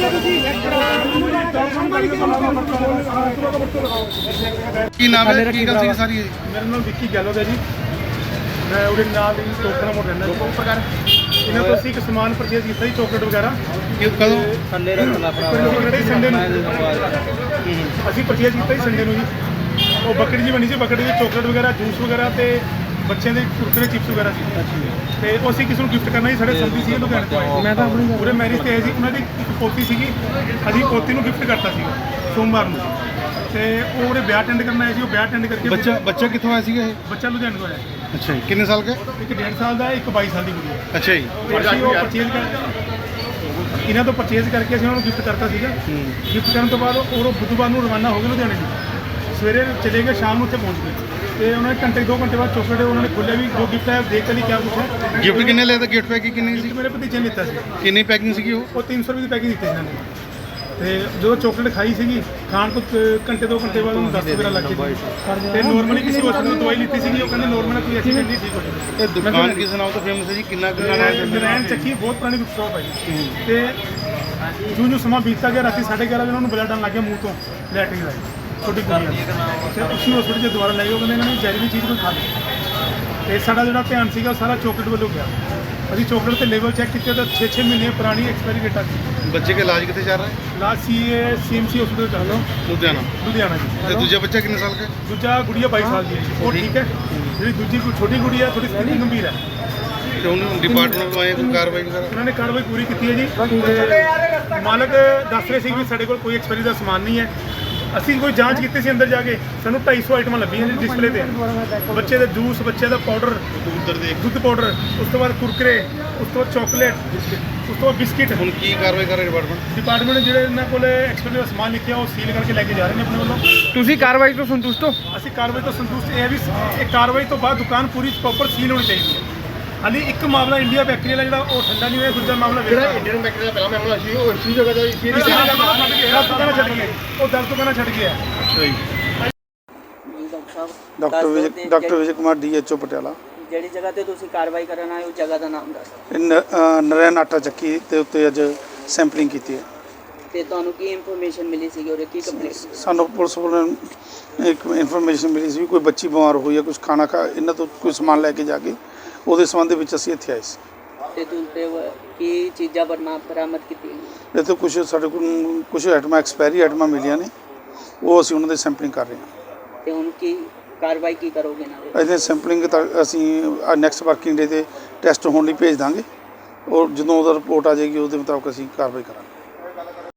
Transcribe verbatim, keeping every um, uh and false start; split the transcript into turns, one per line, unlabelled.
ਕੀ ਨਾਮ ਹੈ, ਕੀ ਗੱਲ ਸੀ ਸਾਰੀ?
मेरा नाम विक्की गहलोत है जी। मैं उड़े नाल ही टोकरा मोड़ रहना जी। प्रकार इन्होंने तो ਅਸੀਂ ਇੱਕ ਸਮਾਨ ਪਰਚੇਜ਼ ਕੀਤਾ ਜੀ, ਚਾਕਲੇਟ ਵਗੈਰਾ।
ਇਹ ਕਦੋਂ?
ਸੰਡੇ ਰੱਖਣਾ ਭਰਾ ਸੰਡੇ ਨੂੰ ਅਸੀਂ ਪਰਚੇਜ਼ ਕੀਤਾ ਜੀ ਸੰਡੇ ਨੂੰ ਜੀ। ਉਹ ਬੱਕਰੀ ਜੀ ਬਣੀ ਸੀ, ਬੱਕਰੀ ਦੀ ਚਾਕਲੇਟ ਵਗੈਰਾ, ਜੂਸ ਵਗੈਰਾ ਤੇ ਬੱਚਿਆਂ ਦੇ ਕੁਰਕਰੇ ਚਿਪਸ ਵਗੈਰਾ ਸੀ ਤੇ ਉਹ ਅਸੀਂ ਕਿਸੇ ਨੂੰ ਗਿਫਟ ਕਰਨਾ ਸੀ। ਸਾਡੇ ਸੰਦੀ ਸੀ ਲੁਧਿਆਣੇ ਤੋਂ ਆਏ, ਮੈਂ ਤਾਂ ਆਪਣੀ ਪੂਰੇ ਮੈਰਿਜ ਤੇ ਆਏ ਸੀ। ਉਹਨਾਂ ਦੀ ਇੱਕ ਪੋਤੀ ਸੀਗੀ, ਅਸੀਂ ਪੋਤੀ ਨੂੰ ਗਿਫਟ ਕਰਤਾ ਸੀ ਸੋਮਵਾਰ ਨੂੰ ਤੇ ਉਹ ਉਹਦੇ ਵਿਆਹ ਅਟੈਂਡ ਕਰਨ ਆਏ ਸੀ। ਉਹ ਵਿਆਹ ਅਟੈਂਡ ਕਰਕੇ
ਬੱਚਾ ਬੱਚਾ ਕਿੱਥੋਂ ਆਇਆ ਸੀਗਾ ਇਹ?
ਬੱਚਾ ਲੁਧਿਆਣੇ ਤੋਂ ਆਇਆ।
ਅੱਛਾ ਜੀ, ਕਿੰਨੇ ਸਾਲ ਦਾ?
ਇੱਕ ਡੇਢ ਸਾਲ ਦਾ, ਇੱਕ ਬਾਈ ਸਾਲ ਦੀ ਕੁੜੀ ਹੈ।
ਅੱਛਾ ਜੀ,
ਅਸੀਂ ਉਹ ਪਰਚੇਜ਼ ਕਰ ਇਹਨਾਂ ਤੋਂ ਪਰਚੇਜ਼ ਕਰਕੇ ਅਸੀਂ ਉਹਨਾਂ ਨੂੰ ਗਿਫਟ ਕਰਤਾ ਸੀਗਾ। ਗਿਫਟ ਕਰਨ ਤੋਂ ਬਾਅਦ ਉਹ ਬੁੱਧਵਾਰ ਨੂੰ ਰਵਾਨਾ ਹੋ ਗਏ ਲੁਧਿਆਣੇ ਜੀ। ਸਵੇਰੇ ਚਲੇ ਗਏ, ਸ਼ਾਮ ਨੂੰ ਉੱਥੇ ਪਹੁੰਚ ਗਏ ਤੇ ਉਹਨਾਂ ਨੇ ਘੰਟੇ ਦੋ ਘੰਟੇ ਬਾਅਦ ਚੋਕਲੇਟ ਉਹਨਾਂ ਨੇ ਖੋਲ੍ਹਿਆ ਵੀ ਜੋ ਗਿਫਟ ਹੈ ਦੇਖ ਕੇ ਲਈ ਕਿਆ ਕੁਛ ਹੈ।
ਗਿਫਟ ਕਿੰਨੇ ਲਿਆ ਤਾਂ ਗਿਫਟ ਪੈਕਿੰਗ ਕਿੰਨੀ ਸੀ?
ਮੇਰੇ ਭਤੀਜੇ ਨੇ ਦਿੱਤਾ ਸੀ।
ਕਿੰਨੀ ਪੈਕਿੰਗ ਸੀਗੀ ਉਹ?
ਉਹ ਤਿੰਨ ਸੌ ਰੁਪਏ ਦੀ ਪੈਕਿੰਗ ਦਿੱਤੀ ਇਹਨਾਂ ਨੇ ਤੇ ਜਦੋਂ ਚਾਕਲੇਟ ਖਾਈ ਸੀਗੀ, ਖਾਣ ਤੋਂ ਘੰਟੇ ਦੋ ਘੰਟੇ ਬਾਅਦ ਉਹਨੂੰ ਦਸਤ ਵਗੈਰਾ ਲੱਗ ਗਈ ਤੇ ਨੋਰਮਲੀ ਕਿਸੇ ਹਸਪਤਾਲ ਤੋਂ ਦਵਾਈ ਲਿੱਤੀ ਸੀਗੀ। ਉਹ ਕਹਿੰਦੇ ਨੋਰਮਲ ਕੋਈ ਐਸੀ ਨਹੀਂ ਠੀਕ ਹੋ ਜਾਏਗੀ।
ਇਹ ਦੁਕਾਨ ਕਿਸ ਨਾਮ ਤੋਂ ਫੇਮਸ ਹੈ ਜੀ? ਕਿੰਨਾ ਕਿੰਨਾ
ਨਰਾਇਣ ਚੱਕੀ ਬਹੁਤ ਪੁਰਾਣੀ ਸ਼ੌਪ ਹੈ ਜੀ। ਤੇ ਜਿਉਂ ਜਿਉਂ ਸਮਾਂ ਬੀਤਦਾ ਗਿਆ, ਰਾਤੀ ਸਾਢੇ ਗਿਆਰਾਂ ਵਜੇ ਉਹਨਾਂ ਨੂੰ ਬਲੱਡ ਆਉਣ ਲੱਗ ਗਿਆ ਮੂੰਹ ਤੋਂ, ਲੈਟਰਿੰਗ ਦਾ ਛੋਟੀ ਕੁੜੀਆਂ ਤੇ ਉਸੇ ਹਸਪਤਾਲ 'ਚ ਦੁਬਾਰਾ ਲੈ ਗਏ। ਉਹ ਕਹਿੰਦੇ ਇਹਨਾਂ ਨੇ ਜ਼ਹਿਰੀਲੀ ਚੀਜ਼ ਕੋਈ ਖਾ ਲਈ ਤੇ ਸਾਡਾ ਜਿਹੜਾ ਧਿਆਨ ਸੀਗਾ ਸਾਰਾ ਚਾਕਲੇਟ ਵੱਲੋਂ ਗਿਆ। ਅਸੀਂ ਚਾਕਲੇਟ ਤੇ ਲੇਬਲ ਚੈੱਕ ਕੀਤੇ ਤਾਂ ਛੇ ਛੇ ਮਹੀਨੇ ਪੁਰਾਣੀ ਐਕਸਪਾਇਰੀ ਡੇਟ ਆ ਗਈ।
ਬੱਚੇ ਕੇ ਇਲਾਜ ਕਿੱਥੇ ਚੱਲ ਰਿਹਾ ਹੈ?
ਲਾਸਟ ਸੀ ਸੀ ਐਮ ਸੀ ਹਸਪਤਾਲ ਚੱਲ ਲਓ
ਲੁਧਿਆਣਾ।
ਲੁਧਿਆਣਾ ਜੀ।
ਤੇ ਦੂਜਾ ਬੱਚਾ ਕਿੰਨੇ ਸਾਲ ਦਾ?
ਦੂਜਾ ਗੁੜੀਆ ਬਾਈ ਸਾਲ ਦੀ ਹੈ, ਉਹ ਠੀਕ ਹੈ। ਜਿਹੜੀ ਦੂਜੀ ਕੋਈ ਛੋਟੀ ਗੁੜੀ ਹੈ ਥੋੜੀ ਸਥਿਤੀ ਗੰਭੀਰ ਹੈ
ਤੇ ਉਹਨੂੰ ਡਿਪਾਰਟਮੈਂਟ ਤੋਂ ਆਏ ਕੋਈ ਕਾਰਵਾਈ ਵਗੈਰਾ?
ਉਹਨਾਂ ਨੇ ਕਾਰਵਾਈ ਪੂਰੀ ਕੀਤੀ ਹੈ ਜੀ। ਤੇ ਮਾਲਕ ਦੱਸ ਰਹੇ ਸੀ ਵੀ ਸਾਡੇ ਕੋਲ ਕੋਈ ਐਕਸਪਾਇਰੀ ਦਾ ਸਮਾਨ ਨਹੀਂ ਹੈ। ਅਸੀਂ ਕੋਈ ਜਾਂਚ ਕੀਤੀ ਸੀ ਅੰਦਰ ਜਾ ਕੇ, ਸਾਨੂੰ ਢਾਈ ਸੌ ਆਈਟਮਾਂ ਲੱਭੀਆਂ ਜੀ ਡਿਸਪਲੇ ਤੇ। ਬੱਚੇ ਦਾ ਜੂਸ, ਬੱਚੇ ਦਾ ਪਾਊਡਰ,
ਉਧਰ ਦੇ
ਦੁੱਧ ਪਾਊਡਰ, ਉਸ ਤੋਂ ਬਾਅਦ ਕੁਰਕਰੇ, ਉਸ ਤੋਂ ਬਾਅਦ ਚਾਕਲੇਟ, ਉਸ ਤੋਂ ਬਾਅਦ ਬਿਸਕਿਟ।
ਹੁਣ ਕੀ ਕਾਰਵਾਈ ਕਰ ਰਿਹਾ ਡਿਪਾਰਟਮੈਂਟ?
ਡਿਪਾਰਟਮੈਂਟ ਜਿਹੜੇ ਇਹਨਾਂ ਕੋਲ ਐਕਸਪਾਇਰੀ ਦਾ ਸਮਾਨ ਲਿਖਿਆ ਉਹ ਸੀਲ ਕਰਕੇ ਲੈ ਕੇ ਜਾ ਰਹੇ ਨੇ ਆਪਣੇ ਵੱਲੋਂ।
ਤੁਸੀਂ ਕਾਰਵਾਈ ਤੋਂ ਸੰਤੁਸ਼ਟ ਹੋ?
ਅਸੀਂ ਕਾਰਵਾਈ ਤੋਂ ਸੰਤੁਸ਼ਟ ਇਹ ਹੈ ਵੀ ਇਹ ਕਾਰਵਾਈ ਤੋਂ ਬਾਅਦ ਦੁਕਾਨ ਪੂਰੀ ਪ੍ਰੋਪਰ ਸੀਲ ਹੋਣੀ ਚਾਹੀਦੀ ਹੈ। ਹਾਲੀ ਇੱਕ ਮਾਮਲਾ ਇੰਡੀਆ ਬੈਕਰੀ ਵਾਲਾ ਜਿਹੜਾ ਉਹ ਠੰਡਾ ਨਹੀਂ ਹੋਇਆ, ਦੂਜਾ ਮਾਮਲਾ ਜਿਹੜਾ ਇੰਡੀਅਨ ਬੈਕਰੀ ਦਾ ਪਹਿਲਾ ਮਾਮਲਾ ਸੀ ਉਹ ਇਸੇ ਜਗ੍ਹਾ ਦਾ ਇਸੇ ਦੁਕਾਨ ਛੱਡ ਗਿਆ, ਉਹ ਦਸ ਦੁਕਾਨਾਂ ਛੱਡ ਗਿਆ।
ਅੱਛਾ ਜੀ।
Doctor Vijay doctor Vijay Kumar D H O Patiala.
ਜਿਹੜੀ ਜਗ੍ਹਾ ਤੇ ਤੁਸੀਂ ਕਾਰਵਾਈ ਕਰਨ ਆਏ ਉਸ ਜਗ੍ਹਾ ਦਾ ਨਾਮ ਦੱਸ।
ਇਹ ਨ- ਅ, ਨਰਾਇਣ ਆਟਾ ਚੱਕੀ ਦੇ ਉੱਤੇ ਅੱਜ ਸੈਂਪਲਿੰਗ ਕੀਤੀ ਹੈ।
ਤੇ ਤੁਹਾਨੂੰ ਕੀ ਇਨਫੋਰਮੇਸ਼ਨ ਮਿਲੀ ਸੀਗੀ ਔਰ ਕੀ ਕੰਪਲੇਂਟ?
ਸਾਨੂੰ ਪੁਲਿਸ ਵੱਲੋਂ ਇੱਕ ਇਨਫੋਰਮੇਸ਼ਨ ਮਿਲੀ ਸੀ ਵੀ ਕੋਈ ਬੱਚੀ ਬਿਮਾਰ ਹੋਈ ਹੈ, ਕੁਝ ਖਾਣਾ ਖਾ ਇਹਨਾਂ ਤੋਂ ਕੋਈ ਸਮਾਨ ਲੈ ਕੇ ਜਾ ਕੇ, ਉਹਦੇ ਸੰਬੰਧ ਵਿੱਚ ਅਸੀਂ ਇੱਥੇ ਆਏ ਸੀ।
ਤੇ ਤੁਸੀਂ ਕੀ ਚੀਜ਼ਾਂ ਬਰਮਾ ਬਰਾਮਦ ਕੀਤੀਆਂ?
ਇਹ ਤੋਂ ਕੁਝ ਸਾਡੇ ਕੋਲ ਕੁਝ ਆਈਟਮਾਂ ਐਕਸਪਾਇਰੀ ਆਈਟਮਾਂ ਮਿਲੀਆਂ ਨੇ, ਉਹ ਅਸੀਂ ਉਹਨਾਂ ਦੀ ਸੈਂਪਲਿੰਗ ਕਰ ਰਹੇ ਹਾਂ।
ਤੇ ਹੁਣ ਕੀ ਕਾਰਵਾਈ ਕੀ ਕਰੋਗੇ ਇਹਨਾਂ ਦੇ?
ਇਹਦੇ ਸੈਂਪਲਿੰਗ ਤਾਂ ਅਸੀਂ ਨੈਕਸਟ ਵਰਕਿੰਗ ਡੇ 'ਤੇ ਟੈਸਟ ਹੋਣ ਲਈ ਭੇਜ ਦਾਂਗੇ ਔਰ ਜਦੋਂ ਉਹਦਾ ਰਿਪੋਰਟ ਆ ਜਾਏਗੀ ਉਹਦੇ ਮੁਤਾਬਕ ਅਸੀਂ ਕਾਰਵਾਈ ਕਰਾਂਗੇ।